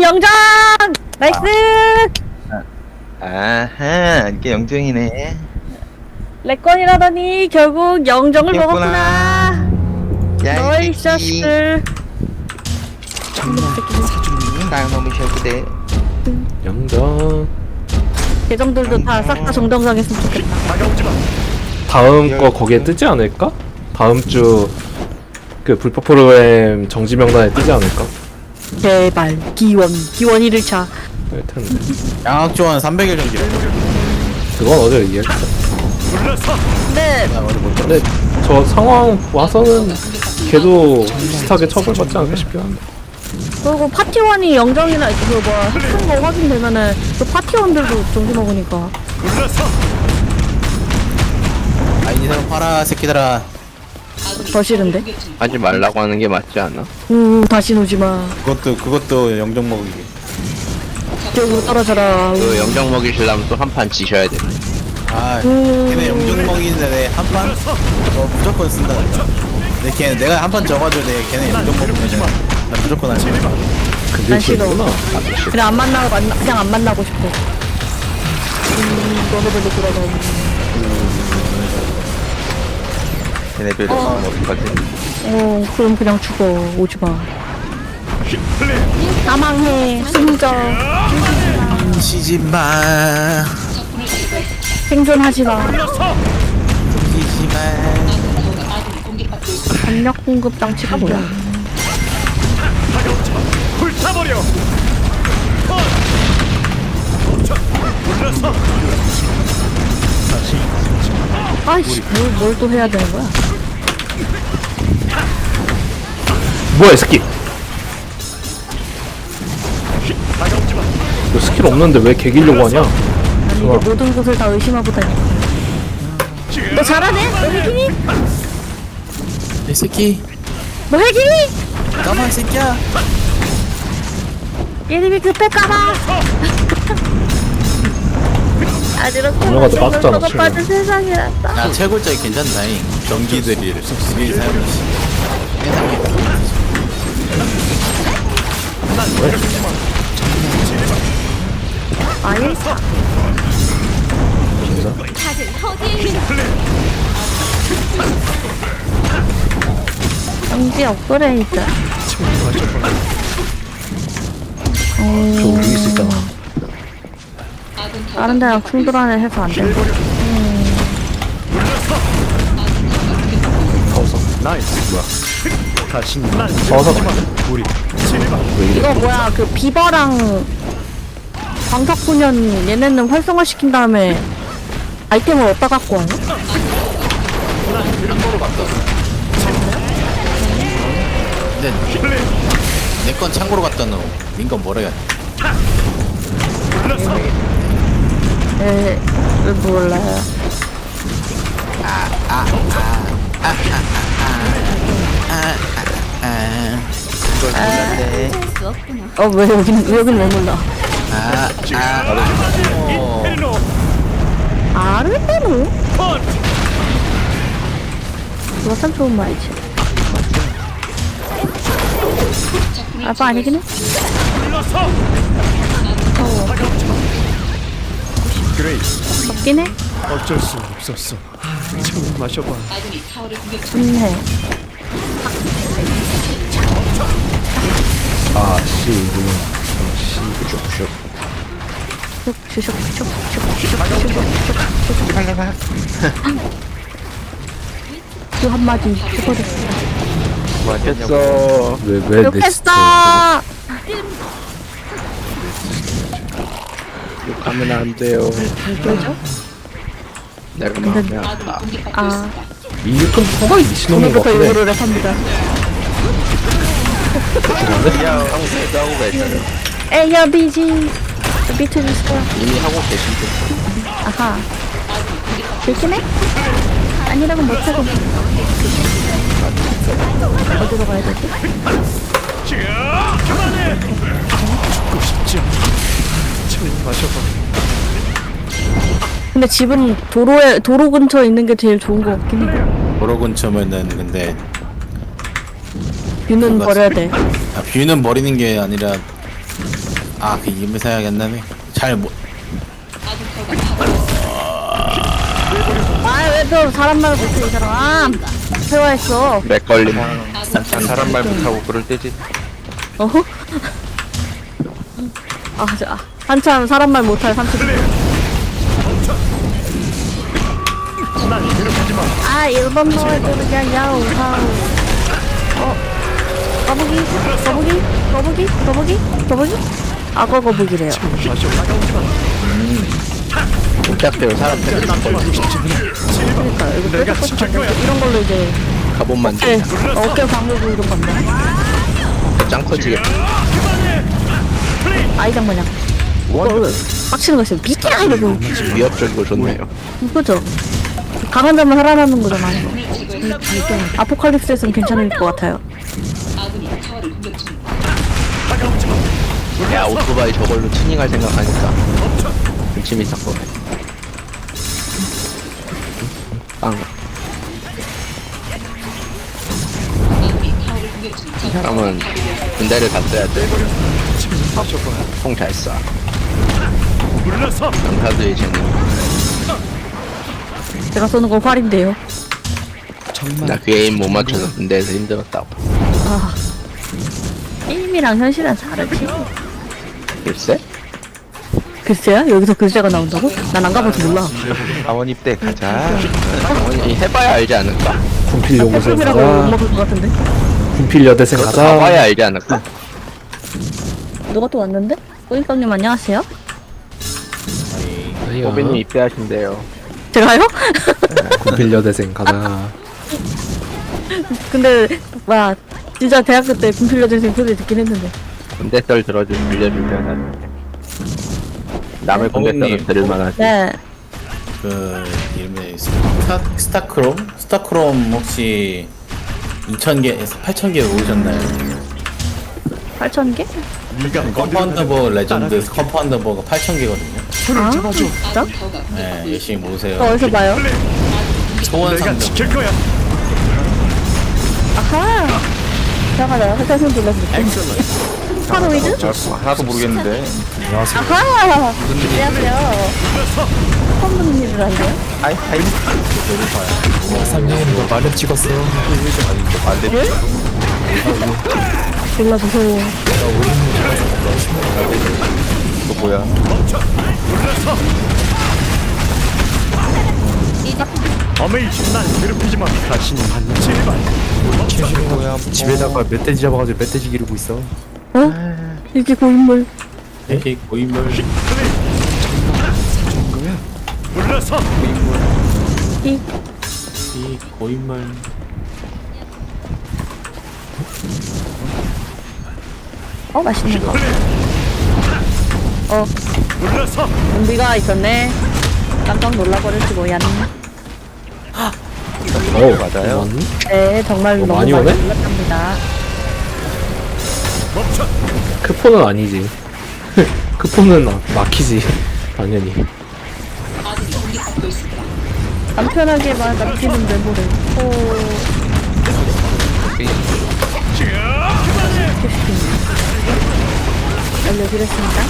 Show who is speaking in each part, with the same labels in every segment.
Speaker 1: 영장! 나이스!
Speaker 2: 아하, 이게 영정이네.
Speaker 1: 레건이라더니 결국 영정을
Speaker 2: 그랬구나.
Speaker 1: 먹었구나.
Speaker 2: 야,
Speaker 1: 너희
Speaker 2: 이 새끼.
Speaker 1: 자식들.
Speaker 2: 쌍놈이 셔그대.
Speaker 3: 영정.
Speaker 1: 계정들도 다 싹 다 정정당했으면 좋겠다.
Speaker 3: 다음 거 거기에 뜨지 않을까? 다음 주 그 불법 프로그램 정지 명단에 뜨지 않을까?
Speaker 1: 제발 기원 1일차.
Speaker 3: 할 텐데.
Speaker 4: 양학조한 300일 정지래.
Speaker 3: 그건 어제 얘기했어.
Speaker 1: 근데
Speaker 4: 나 어제 못
Speaker 3: 근데 저 상황 와서는 걔도 비슷하게 처벌받지 않을까 싶긴 한데.
Speaker 1: 그리고 파티원이 영정이나 그 뭐야 했던 거 확인되면은 그 파티원들도 정지 먹으니까.
Speaker 4: 아, 이 사람 팔아, 새끼들아.
Speaker 1: 더 싫은데?
Speaker 2: 하지 말라고 하는 게 맞지 않아?
Speaker 1: 다시 오지 마.
Speaker 4: 그것도 영정 먹이기.
Speaker 1: 기억으로 떨어져라.
Speaker 2: 그 영정 먹이시려면 또 한 판 지셔야 돼.
Speaker 4: 아, 걔네 영정 먹이는데 한 판? 무조건 쓴다. 내가 한 판 져가지고 걔네 영정 먹으면 나 무조건 할 거야.
Speaker 3: 근데
Speaker 1: 난 싫어.
Speaker 3: 그구나.
Speaker 1: 그냥 안 만나고 그냥 안 만나고 싶어. 너네들도 그러다.
Speaker 2: 걔네들도 어떡하지?
Speaker 1: 그럼 그냥 죽어. 오지 마. 사망해. 숨져.
Speaker 4: 쉬지 마.
Speaker 1: 생존하지 마.
Speaker 4: 쉬지 마.
Speaker 1: 전력 공급 장치가 뭐야?
Speaker 5: 불타버려.
Speaker 1: 아이씨, 뭘 또 해야 되는 거야?
Speaker 3: 뭐야 이 새끼! 너 스킬 없는데 왜 개기려고 하냐?
Speaker 1: 아니, 이게 모든 것을 다 의심하고 다니. 너 잘하네? 너 핵이니?
Speaker 4: 이 새끼.
Speaker 1: 너 핵이니?
Speaker 4: 까만 새끼야.
Speaker 1: 게임이 급할까봐. 아주로
Speaker 3: 엄마가 너 빠졌잖아,
Speaker 1: 가 빠진 세상이란다.
Speaker 4: 야, 채굴자이 괜찮다잉. 전기들이 우리 사용하시.
Speaker 1: 아예 정지 업그레이드.
Speaker 3: 저 우리 있을 있잖아.
Speaker 1: 다른 데랑 충돌하는 해서 안 돼.
Speaker 3: 서서
Speaker 1: 이거 뭐야 그 비버랑 광석소년 얘네는 활성화시킨 다음에 아이템을 어디다 갖고 와요?
Speaker 4: 근데 내 건 창고로 갖다 놓어. 민건 뭐라 해야 돼?
Speaker 1: 몰라요. 왜 여기는 왜 몰라? 아르테노? 그거 참 좋은 말이지. 아빠 아니긴 해? 없긴 해?
Speaker 5: 어쩔 수 없었어. 참 마셔봐.
Speaker 1: 좋네.
Speaker 3: 아씨 슉슉슉
Speaker 1: 그 한마디 해버렸어.
Speaker 2: 맞겠어.
Speaker 3: 왜내
Speaker 1: 욕했어!
Speaker 2: 욕하면 안 돼요.
Speaker 1: 왜죠?
Speaker 2: 내가 마음에 아파.
Speaker 1: 아,
Speaker 3: 이건 상당히 미친놈인 것
Speaker 1: 오늘부터
Speaker 3: 같긴 해.
Speaker 1: 이거를 랩합니다.
Speaker 2: 야, 하고 계도 하고 계셔요.
Speaker 1: 에이야, 비지. 비트 주세요.
Speaker 2: 이미 하고 계신데.
Speaker 1: 아하. 되긴 해? 아니라고 못하고. 어디로 가야 되지?
Speaker 5: 그만해. 죽고 싶지 않아. 참 마셔봐.
Speaker 1: 근데 집은 도로 근처에 있는 게 제일 좋은 것 같긴 해.
Speaker 4: 도로 근처면은 근데
Speaker 1: 뷰는 버려야 돼.
Speaker 4: 뷰는 버리는 게 아니라 아, 그 이름이 생각이 안 나네. 잘 못.
Speaker 1: 아, 왜 또 사람 말 못해, 이 사람. 대화했어.
Speaker 2: 맥걸림. 사람 말 못하고 그럴 때지.
Speaker 1: 어허? 한참 사람 말 못할 삼촌. 아, 일본 노래도 그냥 야우하우. 거북이? 악어 거북이래요.
Speaker 2: 깜짝대요 사람 때문에
Speaker 1: 그러니까, 이거 뾰족뾰족 이런 걸로 이제
Speaker 2: 가본만
Speaker 1: 어깨 방울고 이런 건데.
Speaker 2: 짱 커지겠다.
Speaker 1: 아이장 마냥. 빡치는 거 있어요. 미끼라 이러고.
Speaker 2: 위협적이고 좋네요.
Speaker 1: 그죠? 강한 자만 살아남는 거잖아. 아포칼립스에서는 괜찮을 것 같아요.
Speaker 2: 야 오토바이 저걸로 튜닝할 생각하니까 좀 재밌었고. 빵. 이 사람은 군대를 갔어야 돼. 총 잘 쏴. 강타도의 재능.
Speaker 1: 제가 쏘는 건 활인데요.
Speaker 2: 나 그 에임 못 맞춰서 군대에서 힘들었다고.
Speaker 1: 아, 게임이랑 현실은 다르지.
Speaker 2: 글쎄?
Speaker 1: 글쎄야? 여기서 글쎄가 나온다고? 난 안 가봐서 몰라.
Speaker 2: 아원 입대 가자. 아원이 해봐야 알지 않을까?
Speaker 3: 군필 연구생
Speaker 1: 팬이라고 못
Speaker 3: 가자.
Speaker 1: 먹을 것 같은데?
Speaker 3: 군필 여대생
Speaker 2: 그것도
Speaker 3: 가자.
Speaker 2: 가봐야 알지 않을까?
Speaker 1: 누가 또 왔는데? 꼬잉빵님 안녕하세요?
Speaker 2: 호빈님 입대하신대요.
Speaker 1: 제가요?
Speaker 3: 군필 여대생 가자.
Speaker 1: 근데 와 진짜 대학교 때 군필여대생 소리 듣긴 했는데.
Speaker 2: 군대 썰 빌려주면 남의 군대 썰을
Speaker 4: 호빈님.
Speaker 2: 들을 만하지.
Speaker 1: 네.
Speaker 4: 그 이름이 스타크롬? 스타크롬 혹시 2,000개에서 8,000개 모으셨나요?
Speaker 1: 8,000개?
Speaker 4: 컴파운드버 레전드 컴파운드버가 8,000개거든요.
Speaker 1: 아 진짜?
Speaker 4: 네, 열심히 모으세요.
Speaker 1: 저 어디서 봐요?
Speaker 4: 소원 상점.
Speaker 1: 아하. 잠깐만 살짝 손 돌려볼게. 스파로이드?
Speaker 2: 하나도 모르겠는데.
Speaker 1: 아하. 안녕하세요. 처음 듣는 일을 하는데요?
Speaker 2: 하이.
Speaker 5: 사장님 이거 말렙 찍었어요.
Speaker 1: 예? 졸라 무서워.
Speaker 2: 이거 뭐야?
Speaker 5: 어메이징 날 괴롭히지 마. 다시는 안 제발. 집에다가 멧돼지 잡아가지고 멧돼지 기르고 있어.
Speaker 1: 어? 이게 고인물.
Speaker 4: 이렇게 고인물.
Speaker 5: 불러서
Speaker 1: 이
Speaker 4: 이 고인물.
Speaker 1: 맛있는 거.
Speaker 5: 불러서
Speaker 1: 좀비가 있었네. 깜짝 놀라버렸지 뭐야.
Speaker 2: 맞아요?
Speaker 1: 네, 정말
Speaker 3: 뭐
Speaker 1: 너무
Speaker 3: 많이
Speaker 1: 많이
Speaker 3: 오네?
Speaker 1: 놀랐답니다.
Speaker 5: 멈춰.
Speaker 3: 크포는 아니지. 크포는 막히지. 당연히.
Speaker 1: 간편하게만 남기는 메모를. 알려드렸습니다.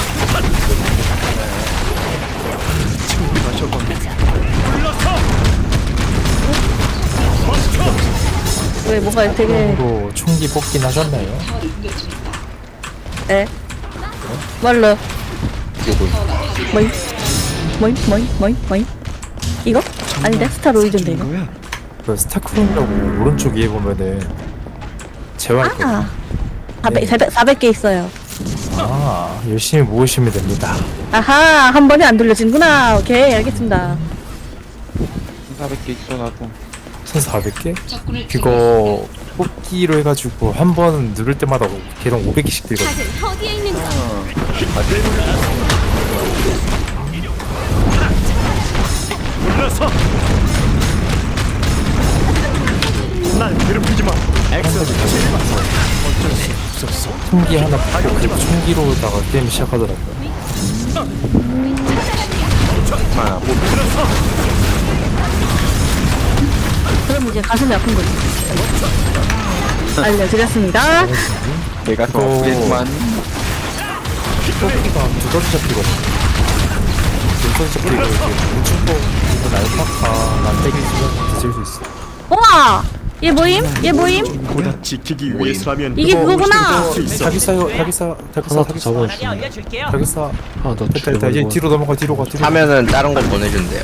Speaker 1: 왜 뭐가 되게
Speaker 5: 또 총기 뽑긴 하셨나요?
Speaker 1: 에 뭘로 뭐이 이거 아닌데 스타로이드인데 이거
Speaker 5: 그 스타크롬이라고 오른쪽 위에 보면은 재활.
Speaker 1: 아 400개 있어요.
Speaker 5: 아 열심히 모으시면 됩니다.
Speaker 1: 아하 한 번에 안 돌려지는구나. 오케이 알겠습니다.
Speaker 2: 400개 있어 나도.
Speaker 5: 1,400개? 그거 뽑기로 해가지고 한 번 누를 때마다 계속 500개씩 들거든.
Speaker 6: 어디에 있는가?
Speaker 5: 불러서 날 괴롭히지 마. 총기 하나 받고 그리고 총기로다가 게임 시작하더라고요.
Speaker 1: 그럼 이제 가슴이 아픈 거지. 알려드렸습니다.
Speaker 2: 내가 더
Speaker 5: 또-
Speaker 2: 아프겠지만
Speaker 5: 뽑기가 두 가지 잡히거든. 눈선 잡히고 이렇게 뭉충뽕 이건 알파카 만들기 주면 드실 수 있어.
Speaker 1: 우와! 얘 모임? 얘 모임?
Speaker 6: 보다 지키기 위해서라면
Speaker 1: 이게 그거구나!
Speaker 5: 자기 싸요, 자기 싸, 자기 싸,
Speaker 3: 하나 더
Speaker 5: 자기 싸,
Speaker 3: 잡아주시네.
Speaker 5: 자기 싸.
Speaker 3: 하나 더
Speaker 5: 됐다, 됐다. 이제
Speaker 3: 죽여버리고.
Speaker 5: 뒤로 넘어가, 뒤로 가, 뒤로.
Speaker 2: 하면은 다른 거 보내준대요.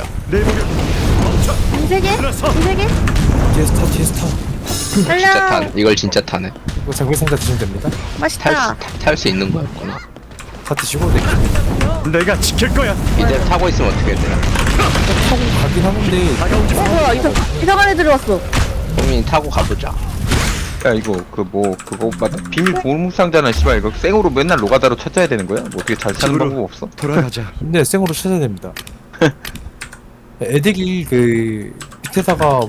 Speaker 1: 이 세 개? 이 세 개?
Speaker 5: 뒤에서 타, 뒤에서 타.
Speaker 2: 진짜
Speaker 1: 달려!
Speaker 2: 탄. 이걸 진짜 타네.
Speaker 5: 이거 장비 상자 드시면 됩니다.
Speaker 1: 맛있다.
Speaker 2: 탈 수 있는 거였구나.
Speaker 5: 다 드시고 네.
Speaker 6: 내가 지킬 거야.
Speaker 2: 이제 타고 있으면 어떻게 돼요?
Speaker 5: 타고 가긴 하는데
Speaker 1: 뭐야, 이상한 애들이 왔어.
Speaker 2: 호민이 타고 가보자.
Speaker 7: 야 이거 그거 맞아 비밀 보물상자는 씨발 이거 생으로 맨날 노가다로 찾아야 되는 거야? 뭐 어떻게 잘 사는
Speaker 6: 집으로.
Speaker 7: 방법 없어?
Speaker 6: 돌아가자.
Speaker 5: 근데 생으로 찾아야 됩니다. 애들이 그 밑에다가